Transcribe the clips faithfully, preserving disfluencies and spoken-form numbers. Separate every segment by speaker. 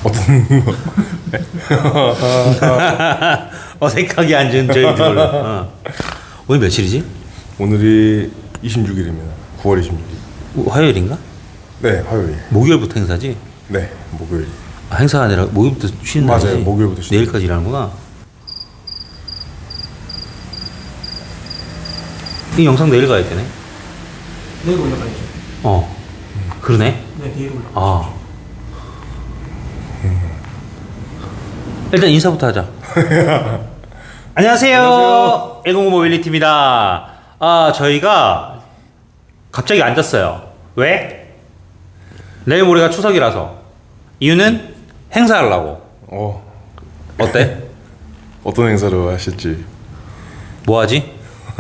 Speaker 1: 어떤
Speaker 2: 어색하게 앉은 저희들. 어. 오늘 며칠이지?
Speaker 1: 오늘이 이십육 일입니다. 구월 이십육 일.
Speaker 2: 화요일인가?
Speaker 1: 네, 화요일.
Speaker 2: 목요일부터 행사지?
Speaker 1: 네, 목요일.
Speaker 2: 아, 행사가 아니라 목요일부터 쉬는 날이지?
Speaker 1: 맞아요, 목요일부터 쉬는
Speaker 2: 내일까지 일하는구나. 이 영상 내일 가야 되네?
Speaker 3: 내일 올라가야죠.
Speaker 2: 어. 그러네?
Speaker 3: 네, 내일 올라.
Speaker 2: 아. 일단 인사부터 하자. 안녕하세요.
Speaker 1: 안녕하세요.
Speaker 2: 일공오 모빌리티입니다. 아, 저희가 갑자기 앉았어요. 왜? 내일 모레가 추석이라서. 이유는 행사하려고.
Speaker 1: 어,
Speaker 2: 어때?
Speaker 1: 어떤 행사를 하실지.
Speaker 2: 뭐 하지?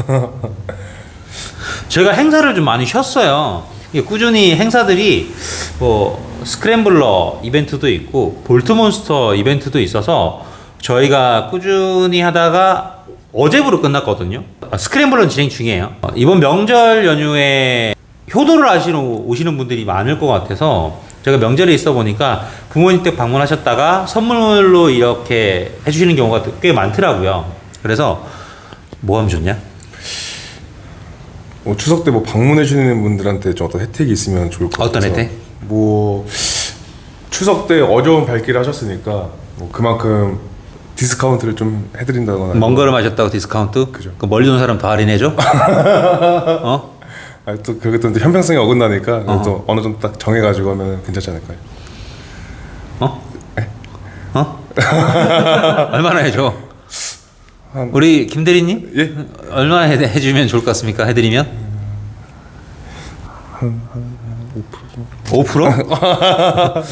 Speaker 2: 저희가 행사를 좀 많이 쉬었어요. 이게 꾸준히 행사들이 뭐 스크램블러 이벤트도 있고 볼트몬스터 이벤트도 있어서 저희가 꾸준히 하다가 어제부로 끝났거든요. 아, 스크램블러는 진행 중이에요. 어, 이번 명절 연휴에 효도를 하시러 오시는 분들이 많을 것 같아서 제가 명절에 있어 보니까 부모님 댁 방문하셨다가 선물로 이렇게 해주시는 경우가 꽤 많더라고요. 그래서 뭐 하면 좋냐?
Speaker 1: 뭐 추석 때 뭐 방문해 주시는 분들한테 좀 어떤 혜택이 있으면 좋을 것 같아서.
Speaker 2: 어떤 혜택?
Speaker 1: 뭐 추석 때 어려운 발길을 하셨으니까 뭐 그만큼 디스카운트를 좀 해드린다거나.
Speaker 2: 먼 걸음 하셨다고 디스카운트?
Speaker 1: 그죠.
Speaker 2: 그 멀리 온 사람 더 할인해줘? 어?
Speaker 1: 아, 또 그게 또 형평성이 어긋나니까
Speaker 2: 어허.
Speaker 1: 또 어느 정도 딱 정해가지고 하면 괜찮지 않을까요?
Speaker 2: 어? 어? 얼마나 해줘?
Speaker 1: 한-
Speaker 2: 우리 김 대리님?
Speaker 1: 예?
Speaker 2: 얼마나 해, 해주면 좋을 것 같습니까? 해드리면? 오 퍼센트? 오 퍼센트?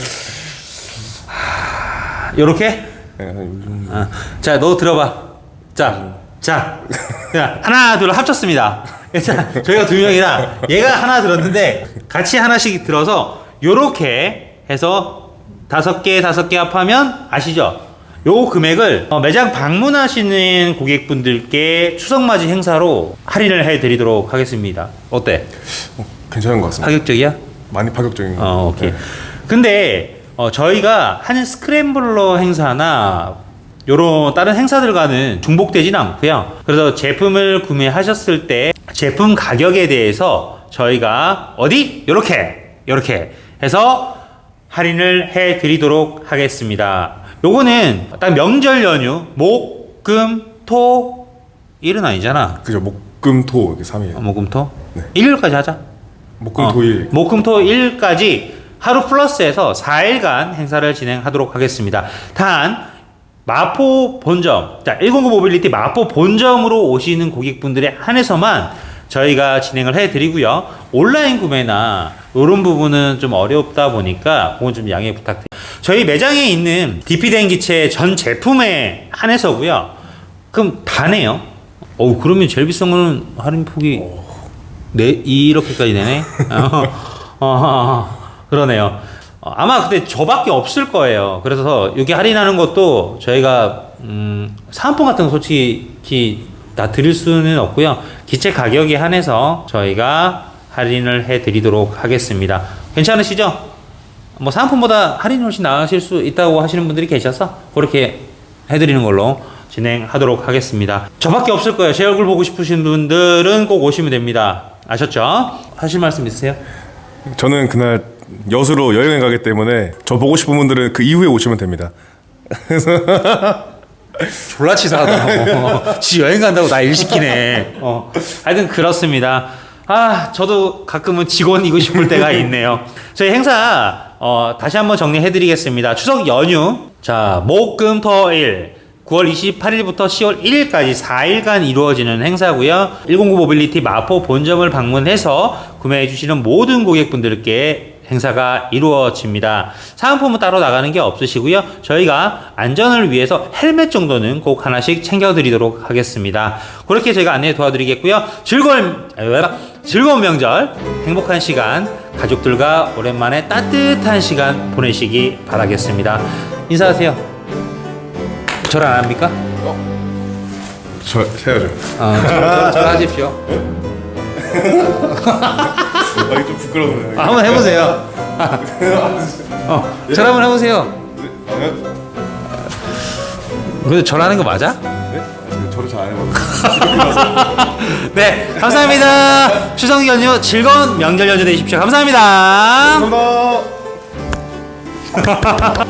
Speaker 2: 요렇게?
Speaker 1: 네, 한 요즘
Speaker 2: 아, 자, 너 들어봐. 자, 자, 자, 하나, 둘 합쳤습니다. 자, 저희가 두 명이라 얘가 하나 들었는데 같이 하나씩 들어서 요렇게 해서 다섯 개, 다섯 개 합하면 아시죠? 요 금액을 어, 매장 방문하시는 고객분들께 추석맞이 행사로 할인을 해드리도록 하겠습니다. 어때?
Speaker 1: 어, 괜찮은 것 같습니다.
Speaker 2: 파격적이야?
Speaker 1: 많이 파격적인 것
Speaker 2: 어, 오케이. 근데 어, 저희가 하는 스크램블러 행사나 요런 다른 행사들과는 중복되진 않고요. 그래서 제품을 구매하셨을 때 제품 가격에 대해서 저희가 어디? 요렇게 요렇게 해서 할인을 해 드리도록 하겠습니다. 요거는 딱 명절 연휴 목, 금, 토, 일은 아니잖아.
Speaker 1: 그죠. 목금토 이렇게 삼 일.
Speaker 2: 어, 목, 금, 토?
Speaker 1: 네.
Speaker 2: 일요일까지 하자.
Speaker 1: 목금토일.
Speaker 2: 어, 목금토일까지 하루 플러스해서 사 일간 행사를 진행하도록 하겠습니다. 단 마포 본점, 자 일공구 모빌리티 마포 본점으로 오시는 고객분들에 한해서만 저희가 진행을 해드리고요. 온라인 구매나 이런 부분은 좀 어렵다 보니까 그건 좀 양해 부탁드립니다. 저희 매장에 있는 디피 대행기체 전 제품에 한해서고요. 그럼 다네요. 어우 그러면 제일 비싼 거는 할인 폭이 네 이렇게까지 되네. 어, 어, 어, 그러네요. 어, 아마 근데 저밖에 없을 거예요. 그래서 여기 할인하는 것도 저희가 음, 사은품 같은 거 솔직히 다 드릴 수는 없고요. 기체 가격에 한해서 저희가 할인을 해드리도록 하겠습니다. 괜찮으시죠? 뭐 사은품보다 할인이 훨씬 나으실 수 있다고 하시는 분들이 계셔서 그렇게 해드리는 걸로 진행하도록 하겠습니다. 저밖에 없을 거예요. 제 얼굴 보고 싶으신 분들은 꼭 오시면 됩니다. 아셨죠? 하실 말씀 있으세요?
Speaker 1: 저는 그날 여수로 여행을 가기 때문에 저 보고 싶은 분들은 그 이후에 오시면 됩니다.
Speaker 2: 졸라 치사하다. 지 여행 간다고 나 일 시키네. 어. 하여튼 그렇습니다. 아, 저도 가끔은 직원이고 싶을 때가 있네요. 저희 행사 어, 다시 한번 정리해드리겠습니다. 추석 연휴, 자 목, 금, 토, 일 구월 이십팔일부터 시월 일일까지 사 일간 이루어지는 행사고요. 일공구 모빌리티 마포 본점을 방문해서 구매해주시는 모든 고객분들께 행사가 이루어집니다. 사은품은 따로 나가는 게 없으시고요. 저희가 안전을 위해서 헬멧 정도는 꼭 하나씩 챙겨드리도록 하겠습니다. 그렇게 저희가 안내 도와드리겠고요. 즐거운 즐거운 명절, 행복한 시간, 가족들과 오랜만에 따뜻한 시간 보내시기 바라겠습니다. 인사하세요. 절 안 합니까?
Speaker 1: 저 해야죠.
Speaker 2: 어, 절, 절 하십시오.
Speaker 1: 아, 이게 좀 부끄러워요.
Speaker 2: 한번 해보세요. 어, 절 한번 해보세요.
Speaker 1: 아니요?
Speaker 2: 근데 저라는 거 맞아?
Speaker 1: 네? 아직 저를 잘 안 해봐서.
Speaker 2: 네, 감사합니다. 추석 연휴 즐거운 명절 연휴 되십시오. 감사합니다.
Speaker 1: 감사합니다.